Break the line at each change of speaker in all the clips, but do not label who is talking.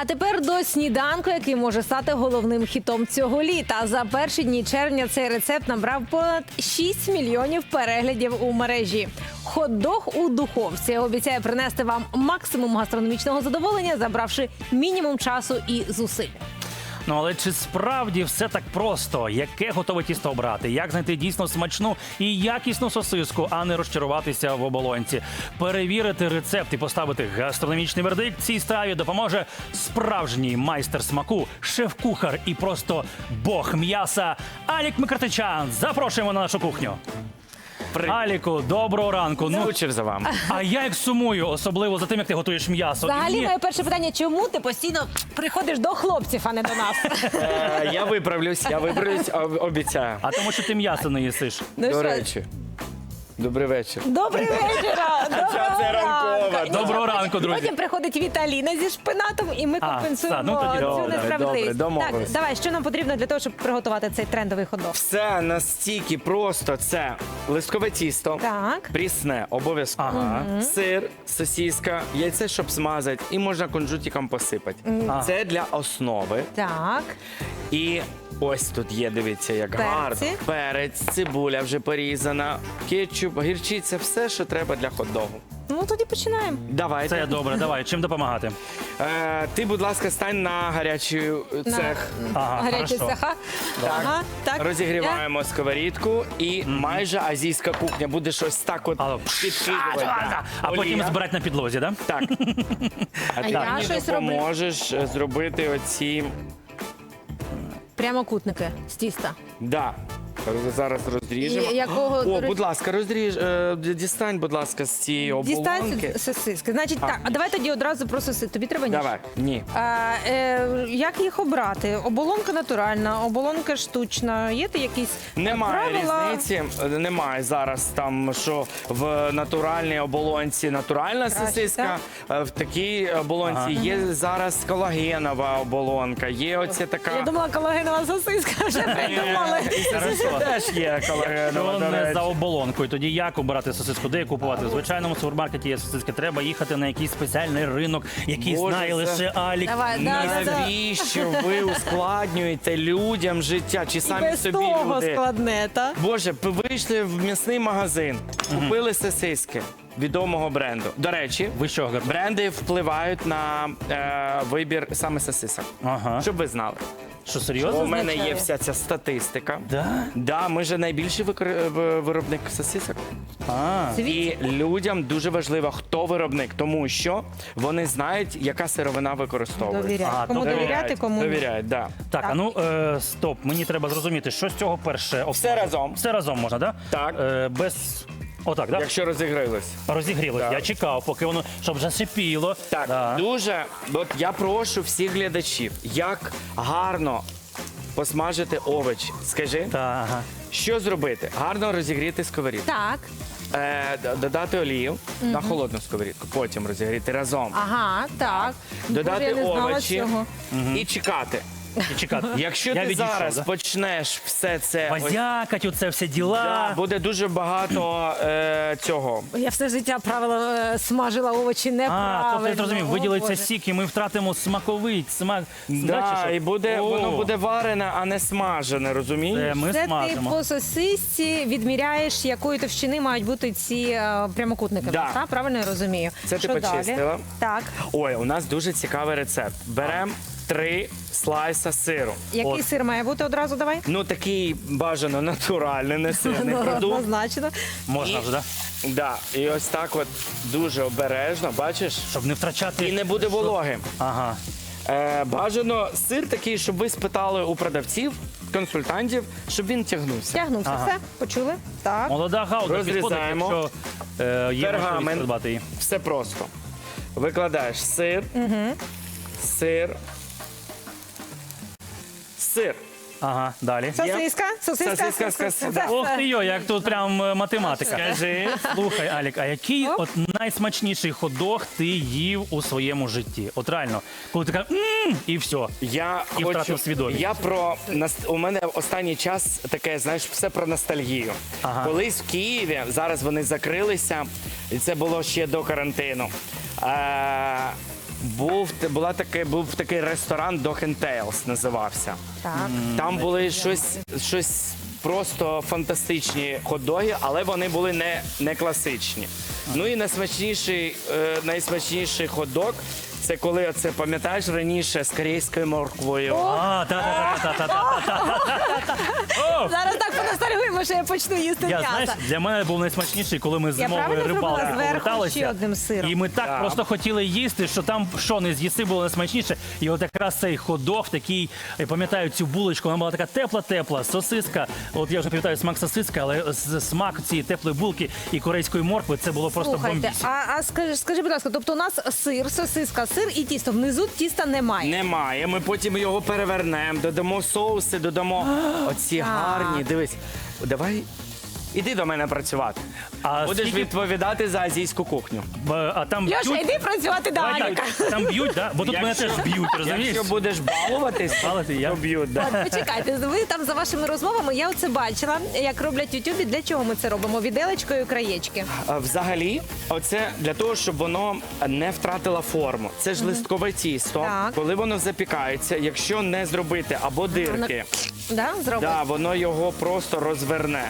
А тепер до сніданку, який може стати головним хітом цього літа. За перші дні червня цей рецепт набрав понад 6 мільйонів переглядів у мережі. Хот-дог у духовці обіцяє принести вам максимум гастрономічного задоволення, забравши мінімум часу і зусиль.
Ну, але чи справді все так просто? Яке готове тісто обрати? Як знайти дійсно смачну і якісну сосиску, а не розчаруватися в оболонці? Перевірити рецепт і поставити гастрономічний вердикт цій страві допоможе справжній майстер смаку, шеф-кухар і просто бог м'яса Алік Микротичан. Запрошуємо на нашу кухню. Аліку, доброго ранку.
Скучив за вами.
А я як сумую, особливо за тим, як ти готуєш м'ясо.
Взагалі, моє перше питання, чому ти постійно приходиш до хлопців, а не до нас?
Я виправлюсь, обіцяю.
А тому, що ти м'ясо не їсиш.
Ну
До
що?
речі, добрий вечір.
Добрий вечір!
це ранкова.
Доброго ранку, друзі.
Потім приходить Віталіна зі шпинатом, і ми компенсуємо
ну тоді
цю
добре,
несправедливість.
добре, домовились.
Так, давай, що нам потрібно для того, щоб приготувати цей трендовий хот-дог?
Все настільки просто. Це листкове тісто,
Так.
прісне, обов'язково.
Ага.
Сир, сосиска, яйце, щоб смазати, і можна кунжутиком посипати. Це для основи.
Так.
І ось тут є, дивіться, як
Перці.
гарно. Перець, цибуля вже порізана, кетчуп, гірчиця, все, що треба для хот-догу.
Ну, тоді починаємо.
Давайте.
Це добре, давай. Чим допомагати?
Ти, будь ласка, стань на гарячий цех.
Ага,
Гарячі
хорошо.
цеха. Ага, так.
Розігріваємо сковорідку і майже азійська кухня. Будеш ось так от підкидувати.
А потім
Олія.
збирати на підлозі, так?
Так. А ти
я
мені
щось
допоможеш зробити оці...
Прямокутники з тіста.
Да. Зараз розріжемо.
І якого, до
О,
речі-
будь ласка, дістань, будь ласка, з цієї оболонки.
Дістань сосиски. Значить, так, а давай тоді одразу про сосиски. Тобі треба ніж?
Давай. Ні.
Як їх обрати? Оболонка натуральна, оболонка штучна. Є якісь
Немає
правила?
різниці, немає зараз там, що в натуральній оболонці натуральна сосиска, в такій оболонці є зараз колагенова оболонка, є оця така...
Я думала, колагенова сосиска вже придумали.
Це теж є колагенова,
Що
до
не
речі.
за оболонкою? Тоді як обирати сосиску? Де купувати? В звичайному супермаркеті є сосиски. Треба їхати на якийсь спеціальний ринок, який
Боже,
знає
це-
лише Алік.
Давай, да.
Навіщо ви ускладнюєте людям життя? Чи
І
самі
без
собі
того
люди?
складне, та?
Боже, ви вийшли в м'ясний магазин, купили сосиски відомого бренду. До речі,
Ви що, Гар?
бренди впливають на вибір саме сосисок.
Ага.
Щоб ви знали.
Що, серйозно?
У мене є
означає?
вся ця статистика.
Да?
Да, ми же найбільший виробник сосисок.
А,
І людям дуже важливо, хто виробник, тому що вони знають, яка сировина використовується.
Довіряють.
А,
Кому
тобто
довіряти, кому ні.
Довіряють, да.
так, а ну, стоп, мені треба зрозуміти, що з цього перше?
Все разом.
Все разом можна, так?
Так.
Без... Отак, так?
Якщо розігрились.
Розігрілось.
Так.
Я чекав, поки воно, щоб зашипіло.
Так,
Да.
дуже. От я прошу всіх глядачів, як гарно посмажити овочі. Скажи,
Та, ага.
що зробити? Гарно розігріти сковорідку.
Так.
Додати олію на холодну сковорідку, потім розігріти разом.
Ага, так.
Додати
Боже, я не знала
овочі
цього.
і чекати.
І чекати.
Якщо
Я
ти
відійшов,
зараз
да?
почнеш все це ось,
Базякать, оце все діла.
да, буде дуже багато цього.
Я все життя смажила овочі неправильно.
А, тобто я зрозумів,
О,
виділиться
Боже.
сік, і ми втратимо смаковий смак.
Да, і
О,
воно буде варене, а не смажене, розумієш?
Ми
Це ти
смажимо.
по сосисці відміряєш, якої товщини мають бути ці прямокутники.
Да.
Так, правильно я розумію?
Це ти
Що далі?
почистила.
Так.
Ой, у нас дуже цікавий рецепт. Беремо 3 слайса сиру.
Який
От.
сир має бути одразу, давай?
Ну такий бажано натуральний, не сирний
Ну,
продукт.
однозначно.
Можна вже, так?
Да, і ось так от дуже обережно, бачиш?
Щоб не втрачати.
І не буде вологим.
Ага.
Бажано сир такий, щоб ви спитали у продавців, консультантів, щоб він тягнувся.
Тягнувся.
Ага.
Все, почули? Так.
Молода гауда підходить,
Розрізаємо.
якщо є можливість
Пергамент.
придбати її.
Все просто. Викладаєш сир, сир, сир.
Ага, далі.
Сосиска,
Сосиска.
Ох ти йо, як тут прям математика. Скажи, слухай, Алік, а який
Оп.
от найсмачніший хот-дог ти їв у своєму житті? От реально, коли ти кажеш і все.
Я
І
хочу,
втратив свідомість.
у мене останній час таке, знаєш, все про ностальгію.
Ага.
Колись в Києві, зараз вони закрилися, і це було ще до карантину. був такий ресторан Dog and Tales називався.
Так.
Там були щось просто фантастичні хот-доги, але вони були не класичні. Ну і найсмачніший хот-дог – це коли, оце, пам'ятаєш, раніше з корейською морквою.
Зараз так поностальгуємо, що я почну їсти
Я,
м'ясо.
знаєш, для мене був найсмачніший, коли ми з зимової
правильно зробила?
рибалки
Зверху
поверталися.
ще одним сиром.
І ми так просто хотіли їсти, що там що не з'їси було найсмачніше. І от якраз цей хот-дог такий, я пам'ятаю цю булочку, вона була така тепла-тепла, сосиска. От я вже пам'ятаю смак сосиски, але смак цієї теплої булки і корейської моркви, це було просто
Слухайте,
бомбісь.
а скажи, будь ласка, тобто у нас сир, сосиска, сир і тісто. Внизу тіста немає.
Немає. Ми потім його перевернемо, додамо соуси, додамо оці гарні. Дивись, давай, іди до мене працювати.
А
Будеш
скільки-
відповідати за азійську кухню.
А там
Льоша,
б'ють,
йди працювати до
Давай
Аліка.
так, там б'ють, да? Бо тут мене
Якщо-
теж б'ють, розумієш?
Якщо будеш балуватись,
Балувати я?
то б'ють. Да.
От, почекайте, ви там за вашими розмовами, я оце бачила, як роблять в Ютубі. Для чого ми це робимо? Віделечкою краєчки.
Взагалі, оце для того, щоб воно не втратило форму. Це ж листкове тісто.
Так.
Коли воно запікається, якщо не зробити або дирки,
Да, зробимо.
да, воно його просто розверне.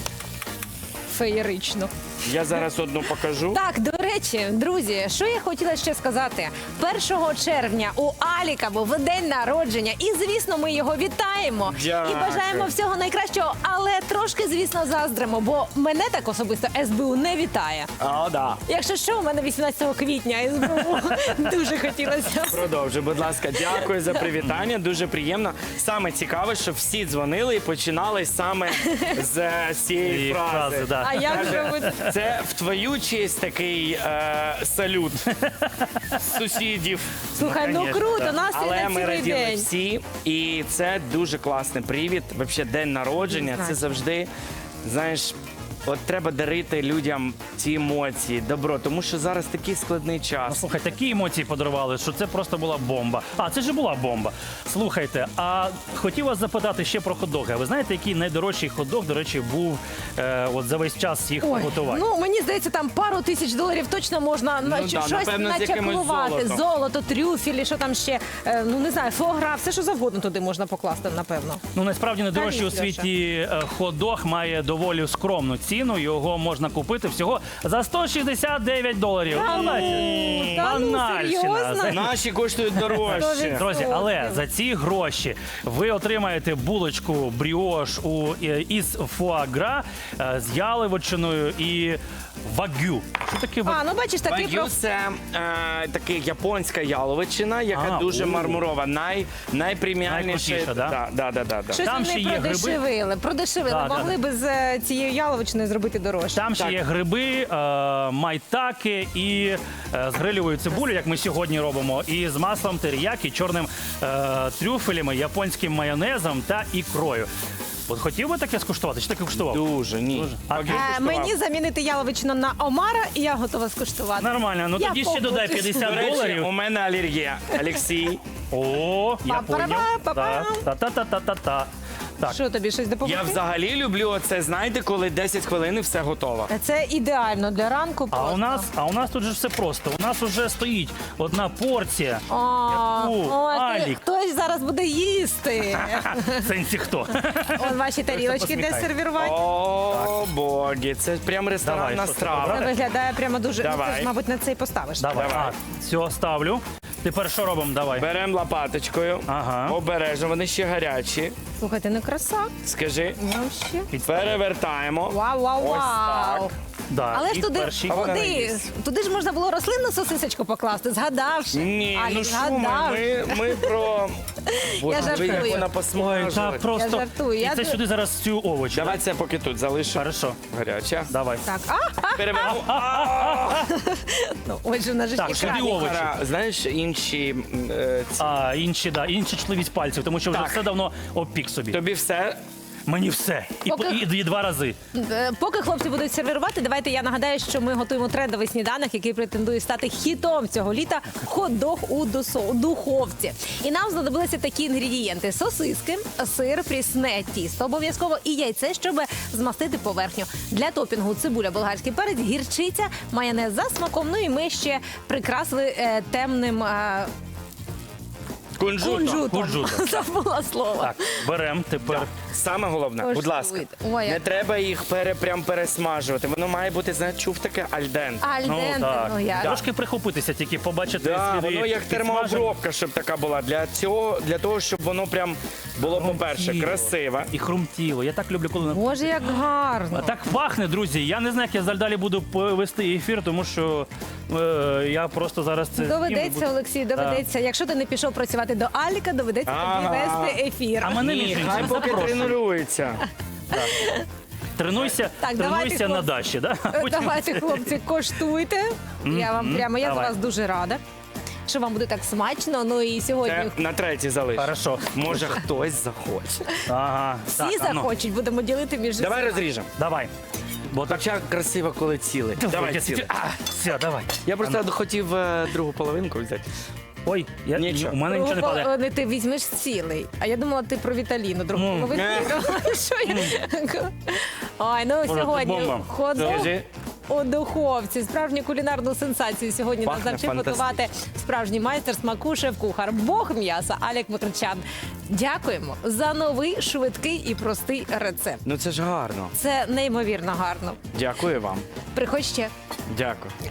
Феєрично.
Я зараз одну покажу.
Так, до речі, друзі, що я хотіла ще сказати? 1 червня у Аліка був день народження, і звісно, ми його вітаємо
Дякую.
і бажаємо всього найкращого, але трошки, звісно, заздримо, бо мене так особисто СБУ не вітає.
А, да.
Якщо що, у мене 18 квітня СБУ дуже хотілося.
Продовжуй, будь ласка, дякую за привітання. Дуже приємно. Саме цікаве, що всі дзвонили і починали саме з цієї
І
фрази.
да.
А як
Каже,
зробити?
це в твою честь такий салют сусідів.
Слухай, ну
конечно,
круто,
так.
настрій
Але
на
ми
цілий
раділи
день.
всі, і це дуже класний привід. Взагалі, день народження.
Знаю.
Це завжди, знаєш, от треба дарити людям ці емоції, добро, тому що зараз такий складний
Ну,
час.
слухай, такі емоції подарували, що це просто була бомба. А, це ж була бомба. Слухайте, а хотів вас запитати ще про хот-доги. А ви знаєте, який найдорожчий хот-дог, до речі, був от за весь час їх
Ой,
готувати?
ну мені здається, там пару тисяч доларів точно можна на
да,
щось
напевно, з якимось
начаклувати.
золотом.
Золото, трюфелі, що там ще, ну не знаю, фуагра, все що завгодно туди можна покласти, напевно.
Ну, насправді найдорожчий у
Кажіть, Льоша.
світі хот-дог має доволі скромну ціну. Його можна купити всього за $169.
Та ну, серйозно?
Наші коштують дорожче.
Друзі, але за ці гроші ви отримаєте булочку бріош із фуагра з яловичиною і вагю. Що таке
А, ну бачиш, такий
Вагю – це така японська яловичина, яка
А,
дуже
о.
мармурова, найпреміальніша.
Найкрутіша, да?
Да.
Щось
Там
вони
ще є гриби.
продешевили.
Да,
Могли би з цією яловичиною зробити дорожче.
Там ще
Так.
є гриби, майтаки і з грилевою цибулею, як ми сьогодні робимо, і з маслом теріякі, чорним трюфелями, японським майонезом та ікрою. От хотів би таке скуштувати? Чи таке куштував?
Дуже, ні.
А
Вагю
ти?
куштував.
Мені замінити яловичину на омара, і я готова скуштувати.
Нормально, ну
Я
тоді ще додай
погоджуюсь.
До речі,
$50.
у мене алергія. Олексій,
О, я
Па-па-па,
поняв.
па-пам.
Та-та-та-та-та. Так.
Що тобі щось
я
допомогти?
взагалі люблю оце, знаєте, коли 10 хвилин і все готово.
Це ідеально для ранку.
А
просто.
у нас тут же все просто. У нас уже стоїть одна порція.
Ой,
Алік.
хтось зараз буде їсти.
В сенсі хто?
Он ваші тарілочки де
посміхай.
сервірувати.
О, боги, це прям ресторанна
Давай, що ти
страва.
обрав?
Це виглядає прямо дуже. Ну,
Давай.
ти ж, мабуть, на це і поставиш.
Давай.
Давай.
Все, ставлю. Тепер що робимо? Давай.
Беремо лопаточкою,
Ага.
обережно, вони ще гарячі.
Слухайте, ну краса.
Скажи,
Вообще.
перевертаємо.
Вау, вау,
Ось
вау.
так.
Да.
Але
і
ж туди,
перший.
вона не
туди,
їсть.
туди ж можна було рослинну сосисочку покласти, згадавши.
Ні,
Алік,
ну що
згадав.
ми про... Боже,
Я
диви, як
жартую.
вона
Ой,
посмажила.
так просто.
Я жартую.
І
Я
це
ду-
сюди зараз цю овочі.
Давай це поки тут залишу.
Хорошо.
Гаряча.
Давай.
Так,
Перевернемо.
ну, ось же в нас же
Так,
ж
сюди
екран.
овочі.
Знаєш, інші... ці-
А інші чутливість пальців, тому що вже
Так.
все давно обпік собі.
Тобі все
Мені все. І 2 рази.
Поки хлопці будуть сервірувати, давайте я нагадаю, що ми готуємо трендовий сніданок, який претендує стати хітом цього літа – хот-дог у духовці. І нам знадобилися такі інгредієнти: сосиски, сир, прісне тісто обов'язково і яйце, щоб змастити поверхню. Для топінгу цибуля, болгарський перець, гірчиця, майонез за смаком. Ну і ми ще прикрасили темним кунжутом.
Кунжутом.
Забула слово.
Так, беремо тепер.
Саме головне, будь ласка,
Ой,
не
як-
треба їх прям пересмажувати. Воно має бути, знаєш, чув таке альденте.
Альденте, ну як?
Трошки прихопитися, тільки побачити
Да,
сліди
воно як
підсмажень.
термообробка, щоб така була. Для того, щоб воно прям було, по-перше,
Хрумтіло.
красиве.
І хрумтіло. Я так люблю, коли...
Боже, як гарно.
Так пахне, друзі. Я не знаю, як я далі буду вести ефір, тому що я просто зараз це...
Доведеться, Олексій, доведеться. Якщо ти не пішов працювати до Аліка, доведеться тобі
Ага.
вести ефір.
А мене
Ні,
між
хай
іншим
поки
запрошують.
тренуються.
Тренуйся,
Так, давайте,
тренуйся на
хлопці.
дачі, да?
Давайте, хлопці, коштуйте. Я вам прямо, я за
Давай.
вас дуже рада, що вам буде так смачно. Ну і сьогодні
Це на третій залиш.
Хорошо.
Може, хтось захоче.
Ага.
всі
Так, а ну,
захочуть, будемо ділити між
Давай
усіма.
розріжемо.
Давай. Бо так...
Хоча красиво, коли цілий. Давай цілий.
Все, давай.
Я просто хотів другу половинку взяти.
Ой,
Нічого.
у мене нічого не падає.
Не ти візьмеш цілий. А я думала, ти про Віталіну, другу половину. Що я? Ой, ну
це
сьогодні
бомба.
хот-дог
Скажи.
у духовці. Справжню кулінарну сенсацію сьогодні нас
Пахне
навчив готувати справжній майстер смаку шеф-кухар, бог м'яса Алік Микричан. Дякуємо за новий, швидкий і простий рецепт.
Ну це ж гарно.
Це неймовірно гарно.
Дякую вам.
Приходь ще.
Дякую.